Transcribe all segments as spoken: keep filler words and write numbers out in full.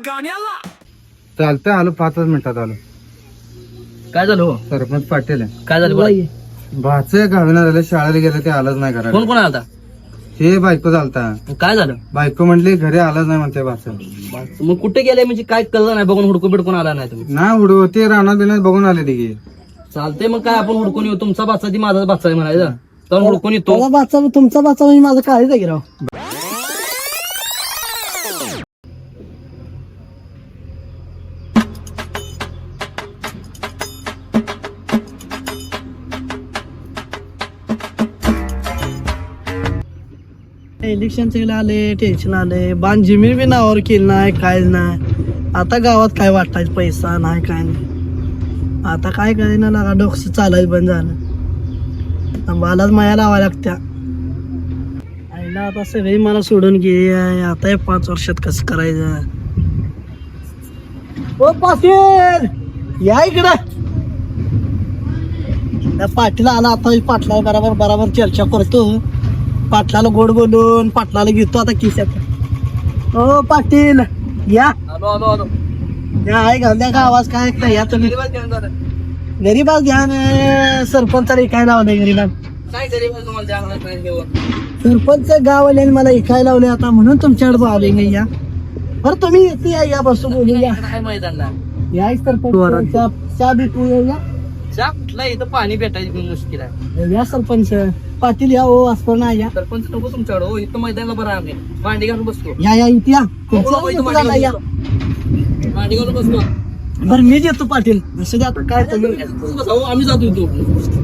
चालतंय आलो पाचच मिनिटात आलो. काय झालं हो? सरपंच पाटील आहे. काय झालं बोला. भाच गावीना झालं, शाळेला गेलं ते आलंच नाही घराला. कोण कोण आला हे बायको चालता. काय झालं? बायको म्हटली घरी आलाच नाही म्हणते भाच. मग कुठे गेले म्हणजे काय कळलं नाही, बघून हुडकून बिडकून आला नाही तुम्ही? ना उडव ते रानात बिनात बघून आले तिघे. चालतंय मग काय आपण हुडकून येऊ. तुमचा बाचा ती माझा बाचा आहे म्हणायचं तर हुडकून येतो. बाचा तुमचा बाचा म्हणजे माझं काळीच आहे की राव. इलेक्शन आले, टेन्शन आले, बांध जमीन बी नावावर केली नाही, काय नाही. आता गावात काय वाटायचं, पैसा नाही काय नाही. आता काय करायला लागा, डोकं चालायचं बंद झालं. मलाच माया लावा लागत्या. आईला आता सगळी मला सोडून गे. आता हे पाच वर्षात कसं करायचं. ओ पाटील या इकडं. त्या पाटील आला आता. पाटला बरोबर बरोबर चर्चा करतो. पाटलाला गोड बोलून पाटलाला घेतो आता किस्यात. हो पाटील या. आलो आलो आलो. या आहे घालद्या का आवाज काय ऐकता या तुम्ही? गरीबाच घ्या ना. सरपंचाला इकायला लावलंय गरीबात. काय तरी तुम्हाला जाणार नाही देऊन. सरपंच गाववाल्याने मला इकायला लावले आता, म्हणून तुमच्याकडे बोलावले नाही. या बरं तुम्ही येते या, या बसून बोलू या. काय मैदानला या सरपंच चहा चहा भेटू या. चहा कुठला इथं पाणी भेटायची मुश्किल आहे. या सरपंच पाटील या. हो असं ना या. सरपंच नको तुमच्याकडे हो. इथं मैदानला बरं आम्ही भांडी घालून बसतो. या या इथे या. नको, इथं तुमचं भांडी या. घालून भांडी घालून बसतो. बरं मी येतो पाटील. असं द्या आता काय तुम्ही बसा, आम्ही जातो इथं.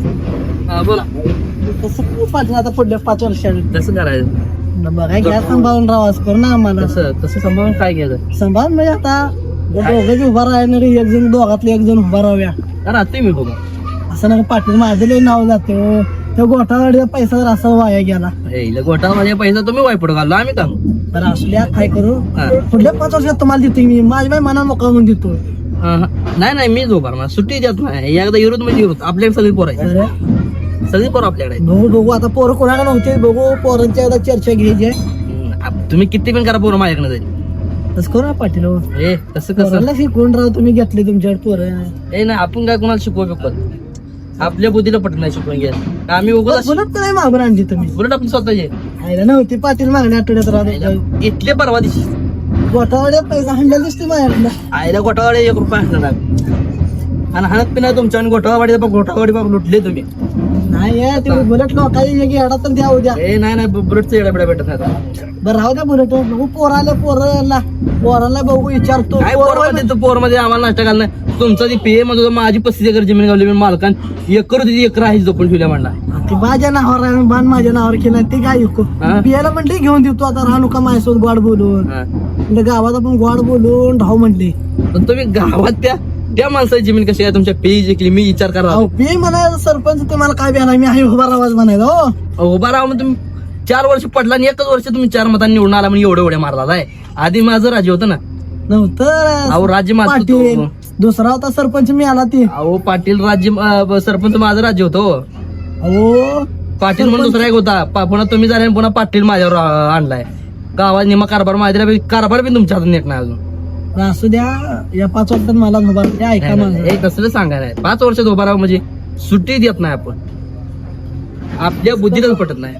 हा बोला. कसं पाटील आता पुढल्या पाच वर्षात कसं करायचं? बघा घ्या सांभाळून राहावाच करू ना आम्हाला. कसं कसं सांभाळून काय घ्यायचं? सांभाळून म्हणजे आता दोघं उभा राहणार, एक जण दोघातले एक जण उभा राहूया राहते मी बघा. असं ना. पाटील माझं लय नाव जाते. त्या गोठावाडीचा पैसा जर असा वाया गेला हे गोटा माझ्या पैसा तुम्ही वायपड घाललो आम्ही का तर असल्या काय करू. हा. पुढल्या पाच वर्षात तुम्हाला देतो मी. माझ्या बाई मना मोकळा म्हणून देतो. हा, हा. नाही नाही मी झोपार ना सुट्टी देत नाही. एकदा विरोध म्हणजे विरोध. आपल्याकडे सगळी पोरं आहे. तर सगळी पोरं आपल्याकडे आहेत. बघू बघू आता पोरं कोणाला नव्हते. बघू पोरांच्या एकदा चर्चा घ्यायची आहे. हम्म, आप- तुम्ही किती पण करा पोरं माझ्याकडे जाईल. तसं करू ना पाटील. हो ए कसं कसं पोरांना शिकवून राहू तुम्ही घेतले तुमच्याकडे पोरं. ए नाही आपण काय कोणाला शिकवू शकत. आपल्या बुद्धीला पटत नाही शिकवून घ्या. आम्ही उगाच बोलत नाही मागून आणली तुम्ही. बुलेट आपण स्वतःचे आयला नव्हती पाटील मागण्या आठवड्यात राहतो. इथले परवा दिवशी गोठावाड्यात पैसा हंडल दिसते माझ्याकडे. आईला गोठावाडी एक रुपया असणार आणि हाणत पिना तुमच्या आणि गोठावाडी गोठावाडी बाग लुटले तुम्ही. नाही आहे, ते बुलेट लोकांनी येडा तर द्या उद्या. ए नाही नाही बुलेटचं येडा बिडा भेटत नाही आता. बरं राहू द्या बुलेट. बघू पोराला पोराला पोराला बघू विचारतो. काय पोर पोर मध्ये आम्हाला नाश्ता घालणार. तुमचा ती पीए मध्ये माझी पस्तीस एकर जमीन गावली. मी मालकान एकर होती, एकर आहे जपून ठेवल्या म्हणला. ती माझ्या नावावर आहे, बाण माझ्या नावावर केला. ते काय ऐकू हा? पियाला म्हणले घेऊन देतो आता. राहू नका माझ्यासोबत गोड बोलून. हा. म्हणजे गावात आपण गोड बोलून राहू म्हणले. पण तुम्ही गावात त्या त्या माणसाची जमीन कशी आहे तुमच्या पी जिंकली. मी विचार करा अहो पी म्हणायचं सरपंच तुम्हाला काय बिहार मी आहे उभा राहावाच म्हणायचं. हो उभा राहा मग तुम्ही चार वर्ष पडला आणि एकच वर्ष तुम्ही चार मतांनी निवडून आला म्हणजे एवढे एवढे मारला आहे. आधी माझं राज्य होतं ना. नव्हतं अहो राज्य माझं पाटील. होतं. दुसरा होता सरपंच मी आला ते. अहो पाटील राज्य अं, सरपंच माझं राज्य होतं हो. अहो पाटील म्हणून दुसरा एक होता. पा- पुन्हा तुम्ही झाले आणि पुन्हा पाटील माझ्यावर अं, आणलाय. गावात निमा कारभार माझ्या कारभार बी तुमच्या हातात नेट नाही अजून. असू द्या. या पाच वर्षात मला उभा राहू. ऐका माझं. हे तसलं सांगायला आहे. पाच वर्षात उभा राहा म्हणजे सुट्टी देत नाही आपण. आपल्या बुद्धीलाच पटत नाही.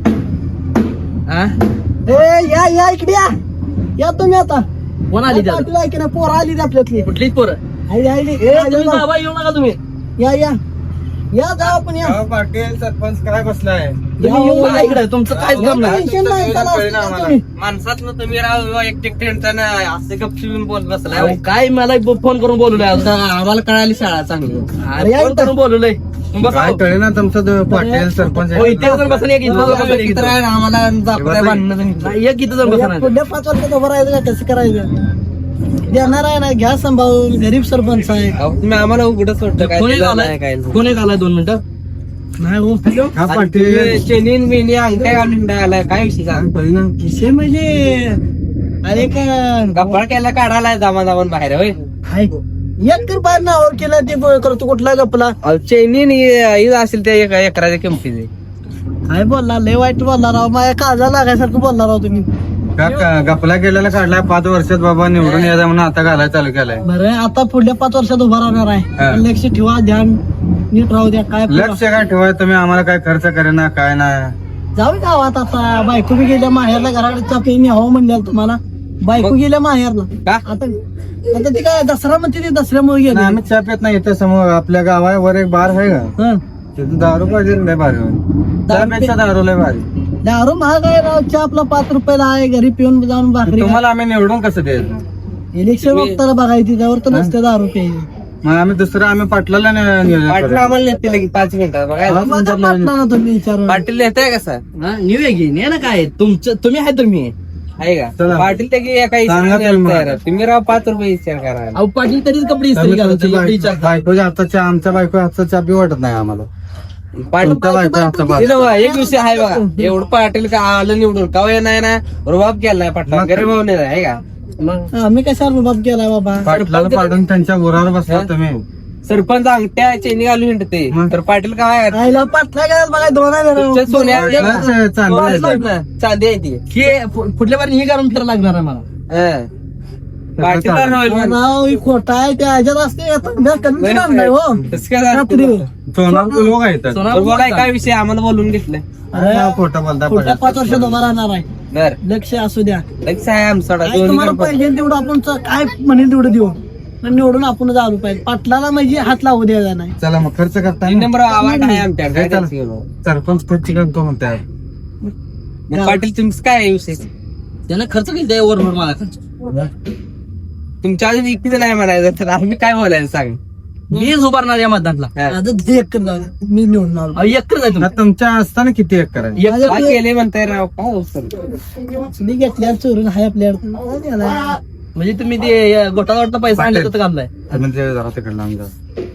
हा? ए या या इकडे या. या तुम्ही आता. कोण आली त्यात? पाटील ऐक ना पोरं आली आपल्यातली. कुठलीच पोरं आली आली. ए, तुम्ही बाबा येऊ नका तुम्ही. या या या जा आपण या. पाटील सरपंच काय बसलाय? तुम्ही येऊ नका इकडे. तुमचं काहीच काम नाही. टेन्शन नाही. चला, असू द्या तुम्ही. माणसात तुम्ही राव एकटे असं गपशिवून बोलत बसलाय. काय मला फोन करून बोलवलंय आम्हाला कळाली शाळा चांगली. फोन करून बोलवलंय. काय कळे ना तुमचं तो पाटील सरपंच आहे. इथे जाऊन बसा. एक इथं आम्हाला एक इथं जाऊन बसा. पुढल्या पाच वर्षात उभं राहायचं का कसं करायचं. देणार आहे ना घ्या सांभाळून. गरीब सरपंच आहे. तुम्ही आम्हाला उघड सोडलं कोणी आलाय कोणी आलाय दोन मिनिटं नाही हो हॅलो. हा पाटील चेनीन मेनी अंगठ्या घालून आलाय. काय विषय सांग. विषय म्हणजे अरे का कपाळ केला काढायला जामा जाऊन बाहेर होय. हाय एक तर बाहेर नावावर केला ते ब- करतो कुठला गपला. चेनीन असेल त्या एका एकराच्या किमतीचे. काय बोलला लय वाईट बोलला राव. माझ्या काळजा लागायसारखं बोलला राव तुम्ही. का का- गपला केलेला काढलाय पाच वर्षात बाबा निवडून यायचा म्हणून आता घालायला चालू केलाय. बरं आता पुढल्या पाच वर्षात उभा राहणार हा. आहे. लक्ष ठेवा, ध्यान नीट राहू द्या. काय लक्ष काय ठेवाय तुम्ही आम्हाला काय खर्च करेना काय नाही. जाऊ गावात आता. बायको बी गेल्या माहेरला, घराकडे चापी न्यावं म्हणल्या तुम्हाला. बायको गेल्या माहेरला. का? आता आता ती काय दसरा म्हणते ती दसऱ्यामुळे गेली. नाही, आम्ही चहा पित नाही इथं समोर आपल्या गावावर एक बार आहे का हं. तिथं दारू पाहिजे लय भारी चहापेक्षा दारू लय भारी. दारू महाग आहे राव. चहा आपला पाच रुपयाला आहे. घरी पिऊन जाऊन भाकरी. तुम्हाला आम्ही निवडून कसं द्यायचं. इलेक्शन बघताना बघायची त्यावर तर नसते दारू प्यायची. मग आम्ही दुसरं आम्ही पाटलाला नि- नियोजन पाटील करू. आम्हाला नेते लगेच पाच मिनिटात बघा. मग आता पाटला ना तुम्ही विचारून. पाटील नेताय कसं निवे घे ने ना काय तुमचं तुम्ही आहे तुम्ही आहे का चला. पाटील ते की एका सांगा हिशोबाने त्याला मग. तयार आहे. तुम्ही राव पाच रुपये विचार करा. अहो पाटील तरीच कपडे इस्त्री आम्ही घालत तुमच्या एवढे बायको- विचार. बायकोच्या हातचा चहा आमच्या बायको हातचा चहा बी वाटत नाही आम्हाला. पाटील तुमच्या बायको हातचा बा- तिला बघा, एक विषय आहे बघा. एवढं पाटील का आलं निवडून का नाही ना रुबाब केलाय पाटला मग- गरीब नाही आहे का. मग आम्ही कशाला रुबाब केलाय बाबा. पाटलाला पाडून त्यांच्या उरावर बसला तुम्ही. सरपंच अंगठ्या चेनी घालून हिंडते मग? तर पाटील काय आईला पाटला काय बघा दोन आहे जरा. तुमच्या सोन्या पाटलाच चांगलं आहे. चांदी आहे ती हे पु- पुढल्या बारी हे करून फिरायला लागणार आहे मला. हं. पाटील चालेल. होईल म्हण. राव ही खोटा आहे त्या ह्याच्यात असते आता उद्या कमी देणार नाही हो. तसं काय झालं? रात्री. सोनार लोक आहेत सोना- बरं बोलाय काय विषय आम्हाला बोलून घेतलंय अरे, खोटं बोलता पुढच्या पडत. पाच वर्षात उभा राहणार आहे. बर लक्ष असू द्या. लक्ष आहे आमचा काय दोन्ही तुम्हाला गणपती. पाहिजे तेवढं आपण च- काय म्हणेल तेवढं देऊ. पण निवडून आपण दारू पाहिजे. पाटलाला म्हणजे हात लावू द्यायचा नाही. चला मग खर्च करता तीन नंबर आवाज आहे आमच्या काय चला. त्याचं घेऊन? सरपंच खर्च करतो म्हणते. मग पाटील तुमचं काय आहे विषय त्यानं खर्च केली त्या वर मला. तुमच्या अजून इकडे नाही म्हणायचं तर आम्ही काय बोलायचं सांग. मीच उभारणार या मतदानला. हा. आता ते एक कर जाऊ दे. मी निवडून आलो. अहो एकच आहे तुम्ही. तुमच्या असताना किती एक करायचं. एक- काय केले म्हणताय राव काय अवसर मी घेतल्या चोरून हाय आपल्याकडे. म्हणजे तुम्ही ते गोटा गोटा पैसा आणले तर कामलाय. म्हणजे जरा तिकडे लावून जा.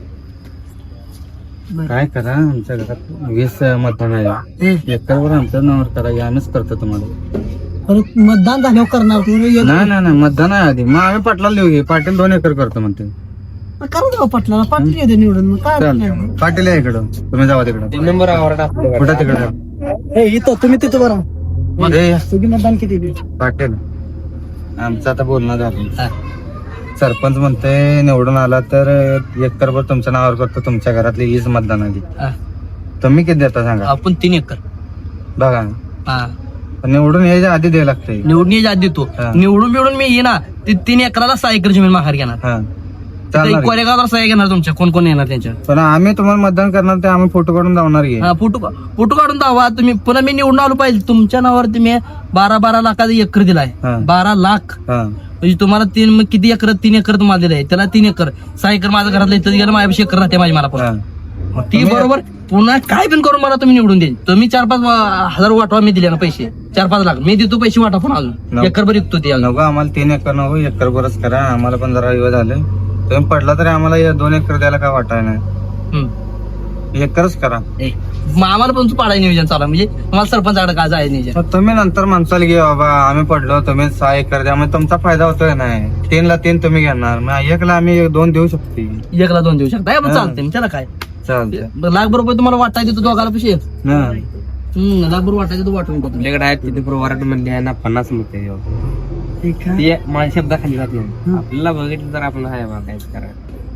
काय करा आमच्या घरात वीस मतदान आहे. एकरवर आमचं नावावर करा आम्हीच करतो तुम्हाला. परत मतदान झाल्यावर करणार तुम्ही. एक- नाही नाही नाही मतदान आहे आधी मग आम्ही पाटलाला लिहू घे. पाटील दोन एकर करतो म्हणते. करू द्या पाटलाला. पाटील येते निवडून. मग काय चल नाही. पाटील आहे इकडं तुम्ही जावा तिकडं. तीन नंबर आवाज टाकतो कुठं तिकडं हे इथं तुम्ही तिथं बरं. ए, तुझी मतदान किती दिली? पाटील आमचं आता बोलणं झालं. सरपंच म्हणते निवडून आला तर एकरभर तुमच्या नावावर करतो तुमच्या घरातली वीस मतदान आधी. हा. तुम्ही किती देता सांगा. आपण तीन एकर. बघा हा. निवडून यायच्या आधी द्यायला लागतंय. निवडणी आधी देतो. हा. निवडून बिवडून मी येणार ते तीन एकराला सहा एकर जमीन माघार घेणार. हा चालणार आहे. कोरेगावला सहा घेणार तुमच्या कोण कोण येणार त्यांच्या. पण आम्ही तुम्हाला मतदान करणार ते आम्ही फोटो काढून जाणार घे. हा, फोटो फोटो काढून दावा तुम्ही. पुन्हा मी निवडून आलो पाहिजे. तुमच्या नावावर तुम्ही बारा बारा लाखाचा एकर दिलाय. हा. बारा लाख हा म्हणजे तुम्हाला तीन मग किती एकर तीन एकर तुम्हाला दिलं आहे. त्याला तीन एकर सहा एकर माझ्या घरातलं इथं गेलं माझ्यापेक्षा एकर राहते माझी मला पण. हा. मग ती बरोबर पुन्हा काय पण करून मला तुम्ही निवडून देईल. तुम्ही चार पाच अं, हजार वाटवा मी दिले ना पैसे चार पाच लाख मी देतो पैसे वाटा पण अजून नको. एकर भर विकतो ते अजून. नको आम्हाला तीन एकर नको एकर बरच करा. आम्हाला पण जरा वेळ झाले. तुम्ही पडला तरी आम्हाला हे दोन एकर द्यायला काय वाटाय नाही. हम्म. एकरच करा. ए, मग आम्हाला पण पाडाय नियोजन चालू आहे. म्हणजे तुम्हाला सरपंचाकडे काय जायचं नियोजन. मग तुम्ही नंतर माणसाला घे बाबा आम्ही पडलो तुम्ही सहा एकर द्या मग तुमचा फायदा होतोय नाही. तीनला तीन तुम्ही घेणार मग एकला आम्ही दोन देऊ शकतो. एकला दोन देऊ शकता पण हा. चालते त्याला काय. चालतंय. लाख बरोबर तुम्हाला वाटायचं देतो दोघाला पैसे. हा. हम्म लाख बरोबर वाटायचं तो वाटून देतो. आपल्याकडे आहेत तिथे वराठ म्हणले आहे ना पन्नास मत आहे. ठीक आहे. ते माझ्या शब्दाखाली जात नाही. आपल्याला बघितलं तर आपण आहे बा काहीच करा.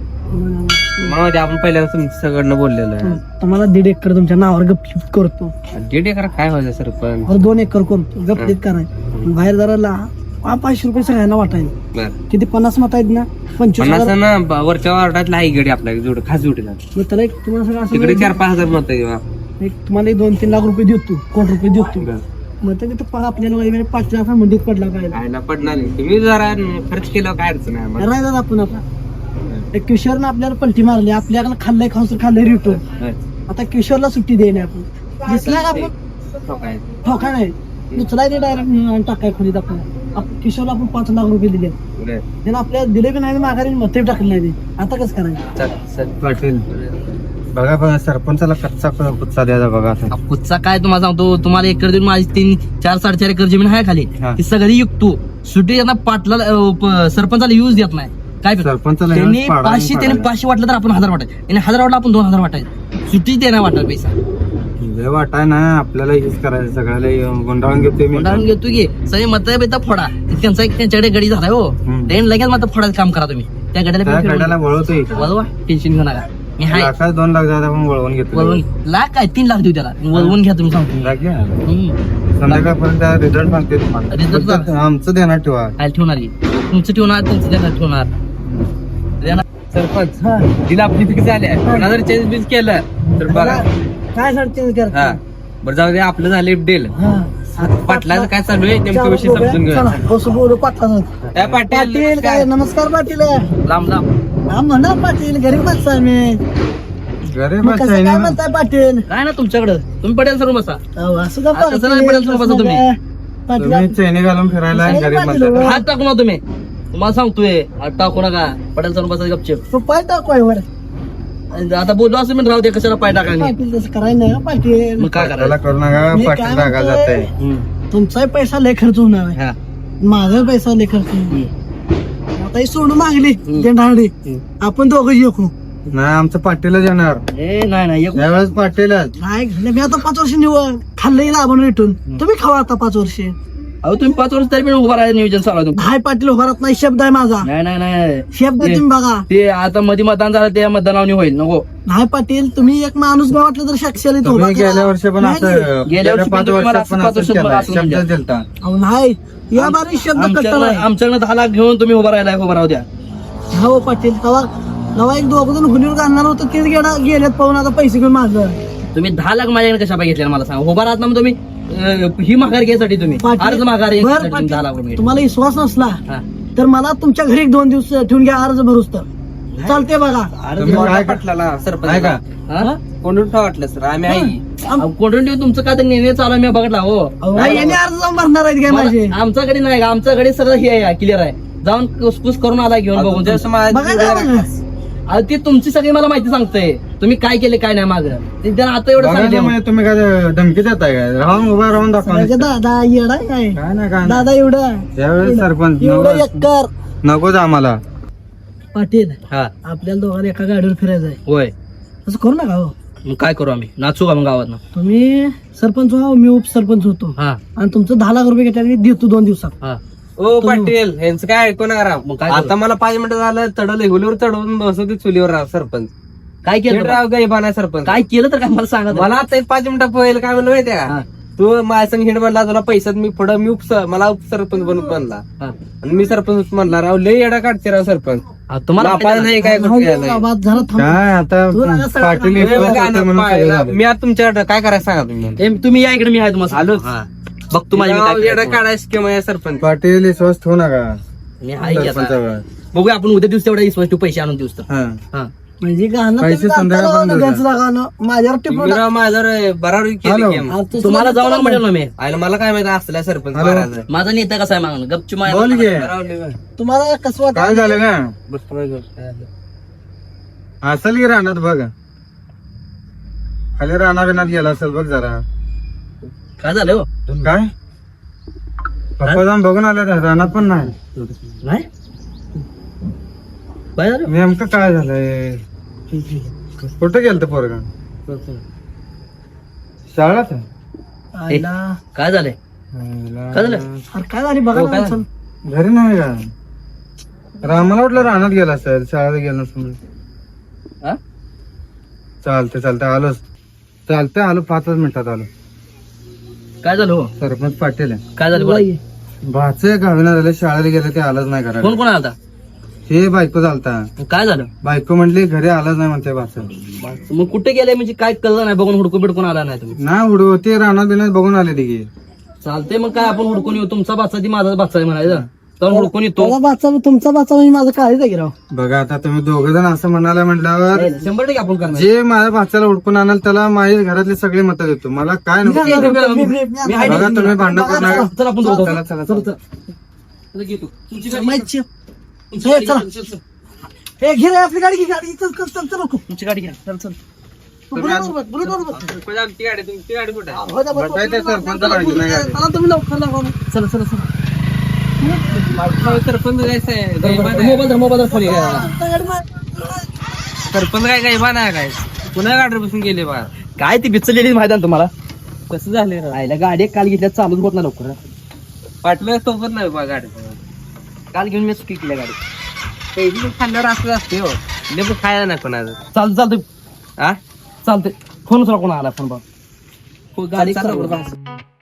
मग ते आपण पहिल्यांदा तुमच्या सगळं बोललेलं आहे. तुम्हाला दीड एकर तुमच्या नावावर गपचिप करतो. दीड एकर काय व्हायचं सरपंच. और दोन एकर करतो. गपचित करायचं. बाहेर जरा ला- पा- पाचशे रुपये सगळ्यांना वाटायचे. बर किती पन्नास मत आहेत ना. पंचवीस पन्नास हजार. ना ब- वरच्या वार्डातला आहे गडी आपल्या जोड खास जोडीला मग त्याला एक तुम्हाला सगळं असं तिकडे चार पाच हजार मत आहे बा. एक तुम्हाला एक दोन तीन लाख रुपये देतो. कोटी रुपये देतो. बर. मग ते तिथं पा- आपल्याला वगैरे पाच लाख मंडीत पडला काय काय ना पडणार नाही. तुम्ही जरा खर्च केला काय अडचण आहे आम्हाला. राहिला आपण आता. एक किशोरनं आपल्याला पलटी मारली. आपल्याला खाल्लंय खाऊन खाल्लंय रिटर्न. बर. आता किशोरला सुट्टी देणे आपण. दिसला का आपण हो काय. ठोका नाही. उचलायचे डायरेक्ट टाकाय खोलीत आपण. आप- किशोरला आपण पाच लाख रुपये दिले. बर. त्याला आपल्याला दिले बी नाही माघारी मते टाकले नाही. आता कसं करायचं. चल, चल. पाटील बघा बघा सरपंचाला कच्चा कुच्चा द्यायचा बघा आता. कुठचा काय तुम्हाला सांगतो तुम्हाला एकर देऊन माझी तीन चार साडेचार एकर जमीन आहे खाली हा. ती सगळी विकतो. सुट्टी यांना पाटला अं, प- सरपंचाला यूज देत नाही. काय करतो? सरपंचाला त्यांनी यूज पाडायला पाचशे त्याने पाडायला. पाचशे वाटलं तर आपण हजार वाटायचं आणि हजार वाटलं आपण दोन हजार वाटायचं. सुट्टी देणार वाटणार पैसा. लय वाटाय ना आपल्याला हेच करायचं सगळ्याला गुंडाळून घेतोय मी कोणाला घेतो की सगळे मत बेता फोडा त्यांचा एक त्यांच्याकडे गडी झालाय हो हम्म. त्यांनी लगेच मत फोडायचं काम करा तुम्ही त्या त्या गड्याला गाड्याला वळवतोय वळवा टेन्शन घेऊ नका मी हाय लाखात दोन लाख जाता पण वळवून घेतो वळवून लाख काय तीन लाख देऊ त्याला वळवून घ्या तुम्ही सांगतो लाख घ्या. हम्म. संध्याकाळपर्यंत रिझल्ट सांगते Result तुम्हाला सांग. फक्त आमचं देणार ठेवा आयला ठेवणार की तुमचं ठेवणार त्यांचं देणार ठेवणार देणार. सरपंच तिला आपली फिक्स झाली कोणा जर चेंज बिंज केलं तर बघा काय सर चेंज हा करता बरं जाऊ दे आपलं झाले डील हा. पाटलाचं काय चालू आहे नेमकं विषय समजून घ्या चला, बसू बोलू पाटला काय पाटील पाटील काय नमस्कार पाटील लांब लांब हा म्हणा पाटील गरीब माणसं आहे मी गरीब मग कसं काय म्हणताय पाटील काय ना तुमच्याकडं तुम्ही पटेल सर बसा अहो, असं का आता चला, पडेल तुम्ही बसा तुम्ही. पाटील तुम्ही चैनी घालून फिरायला नाही, गरीब पाटील, म्हणतात हो. हात टाकू ना तुम्ही तुम्हाला सांगतोय हात टाकू नका पटेल सर बसा गपचेप तो पाय टाकू वर आता बोललो असं मी राहू दे कशाला पाय टाकायला पाटील तसं करायचं नाही हं, पाटील मग काय त्याला करायला करू नका मी पाटील काय रागा म्हणतोय? जाते हम्म. तुमचाही पैसा लय खर्च होणार आहे हा. माझा पैसा लय खर्च होणार हम्म. आता ही सोडून मागली हम्म. जेंढाडी हम्म. आपण दोघं येऊ नाही आमचं पाटीलच येणार ए नाही नाही एक- यावेळेस पाटीलच नाही घातलं. मी आता पाच वर्ष निवड खाल्लंही लाभून भेटून तुम्ही खावा आता पाच वर्ष अहो तुम्ही पाच वर्ष तरी पण उभा राहायचं नियोजन चालू आहे तुमचं. हाय पाटील उभारत नाही शब्द आहे माझा नाही नाही नाही शब्द ते- तुम्ही बघा ते आता मध्ये मतदान झालं ते मतदानावनी होईल नको नाही पाटील तुम्ही एक माणूस बी वाटलं तर साक्षाला इथं उभा तुम्ही करा. गेल्या वर्षी पण नाही, असं गेल्या गेल्या वर्षी पाच पण तुम्ही मला वर्षात पण असं पाच असंच वर्षात केलं असं शब्द म्हणजे. दिलता अहो, नाही या बारी शब्द कट्टर आमच्याकडे आहे आमच्याकडे दहा लाख घेऊन तुम्ही उभा राहिलाय उभा राहू द्या हो पाटील तेव्हा तेव्हा एक दोघ जण गुन्हेवर घालणार होतं तेच गेला गेलेत पाहून आता पैसे घेऊन माझं तुम्ही दहा लाख माझ्याकडे कशा पाहिजे घेतल्या मला सांगा उभा राहत ना मग तुम्ही अं, ही माघार घ्यायसाठी तुम्ही पाटील- अर्ज माघार बरं, घ्यायसाठी तुम्ही पाटील, दहा लाख रुपये घेतले. तुम्हाला विश्वास नसला हा. तर मला तुमच्या घरी एक दोन दिवस ठेवून घ्या अर्ज भरूच तर चालते बघा तुम्ही काय पाटलाला काय सरपंच का हा? कोण वाटलं सर आम्ही आई आम- अहो, कोणतं ठेव तुमचं काय तर निर्णय चालू आहे मी बघितला हो अहो, याने अर्ज जाऊन भरणार आहेत काय माझे मला- आमच्याकडे नाही का आमच्याकडे सगळं हे आहे क्लिअर आहे जाऊन कुसकुस करून आला घेऊन बघून तुमच्या तुमचं. समाजात बघा ना, बघा. अहो, ती तुमची सगळी मला माहिती सांगते तुम्ही काय केले काय नाही मागं ते त्यांना आता एवढं बघा सांगितलं म्हणजे तुम्ही काय धमकी देताय काय राहून उभा राहून दाखवा सगळ्याचे दादा येडा आहे काय काय ना काय दादा एवढं यावेळेस सरपंच एवढं नको- एकर नकोच आम्हाला पाटील हा आपल्याला दोघांना एका गाडीवर फिरायचं आहे होय असं करू नका हो मग काय करू आम्ही नाचू का मग गावात तुम्ही सरपंच व्हा मी उपसरपंच होतो हा आणि तुमचं दहा लाख रुपये घेतल्याने देतो दोन दिवसात हा ओ पाटील यांचं काय ऐकू नका राव. मग काय आता करू? मला पाच मिनिटं झालं चढवलं हुलीवर चढवून बसवते चुलीवर राव सरपंच काय केलं बा? राव गैबाना सरपंच काय केलं तर काय मला सांगा तर. मला आता एक पाच मिनिटं पहिलं काय म्हणलं माहितीये हा. का तू माझ्या संग हिंड म्हणला तुला पैशात मी पुढं मी उपस मला उपसरपंच बनून बनला हा. आणि मी सरपंच म्हणला राव लय येडा काढते राव सरपंच अहो, तुम्हाला बापाला माहिती नाही आहे काय राहू दे गोष्टी बाबा, जरा थांब. काय आता तू नका सगळं पाटील सांगू. इकडं काय होते म्हणून सगळं झालं. मी आता तुमच्याकडे काय करायचं सांगा तुम्ही ना. ए, तुम्ही या इकडे मी आहे तुम्हाला आलोच. हा. बघतो माझी मी राव, काय येडा करायचं. काढायचं किंवा या सरपंच पाटील विश्वास ठेवू नका मी आहे की आता. सरपंचावर. बघूया आपण उद्या दिवस तेवढा विश्वास ठेवू, पैसे आणून दिवस तर हा. हा. म्हणजे गाणं पैसे तुम्ही संध्याकाळी गाताना बंद गंज लागानं. माझ्यावर टिपून तुम्ही राव माझ्यावर बराबर हॅलो. केली आ, तू तुम्हाला सुद्धा जाऊन म्हटलं ना मी आयला मला काय माहिती असल्या सरपंच हॅलो. महाराज. माझा नेता कसा आहे मागणं गपची बोल घे तुम्हाला कसं वाटतं काय झालं का बस तुम्हाला घेऊन. असेल की रानात बघ खाली राणा बिनात गेला असेल बघ जरा काय झालं हो काय पप्पा जाऊन बघून आले रानात पण नाही नाही काय झालं नेमकं काय झालंय कुठं गेलं पोरगा शाळेत आईला. काय झालंय काय झालं? अरे काय झाली बघा हो, ना काय माणसानं. घरी नाही का रामाला वाटलं रानात गेला असेल शाळेत गेला नसेल हा? चालते चालते आलोच चालतंय आलो पाचच मिनिटात आलो काय झालं हो सरपंच पाटील आहे काय झालं बोला. भाच गावीना झालं शाळेला गेलं ते आलंच नाही करायला कोण कोण आला हे बायको चालता काय झालं बायको म्हटली घरी आलंच नाही म्हणते भाच मग कुठे गेले म्हणजे काय कळलं नाही बघून हुडकून बिडकून आला नाही तुम्ही नाही उडू ते रानात बिनात बघून आले तिघे चालते मग काय आपण हुडकून येऊ तुमचा बाचा ती माझा बाचा आहे म्हणायचं तर हुडकून येतो माझा बाचा तुमचा बाचा म्हणजे माझं काळीच आहे की राव बघा आता तुम्ही दोघ जण असं म्हणाला म्हटल्यावर शंभर टक्के आपण करणार जे माझ्या भाच्याला उडकून आणाल त्याला माझ्या घरातली सगळी मतं देतो मला काय नको मी- मी- मी- मी- मी आहे. बघा तुम्ही भांडण करू नका चला आपण दोघं. चला चला चला, चला. चला, घे तू. तुमची गाडी- माहिती. तुमची हे, गाडी चला. घे, चल, चल. हे घे रे आपली गाडी घे गाडी चल चल चल चल नको. तुमची गाडी घ्या चल चल तू बुलेटवर बस, बुलेटवर बस. कोण आमची गाडी तुमची गाडी कुठे आहे? हो जा, बस, बसायचं बुलेटवर बस. सरपंचाला गाडी नाही गाडी. चला तुम्ही लवकर लावा. चला चला चला हो, सरपंच जायचं आहे. गैबान आहे. मोबाईल धर, मोबाईल धर, फोन घ्या. आता गाडी मार. सरपंच काय गैबान आहे काय पुन्हा गाडी बसून गेले बा काय ती बिचलेली माहिती आहे ना तुम्हाला कसं झाले राव? आईला गाडी एक काल घेतल्या चालूच होत ना लवकर पाटलं सोबत नाही बा गाडी काल घेऊन मी चुकी केल्या गाडी पहिली खाल्ल्यावर असं असते हो लेबू खायला नाही कोणाचं चालतं चालतं हा चालतंय फोन उचला कोणा आला फोन बघ गाडी चालतं चालू बरं. बरं.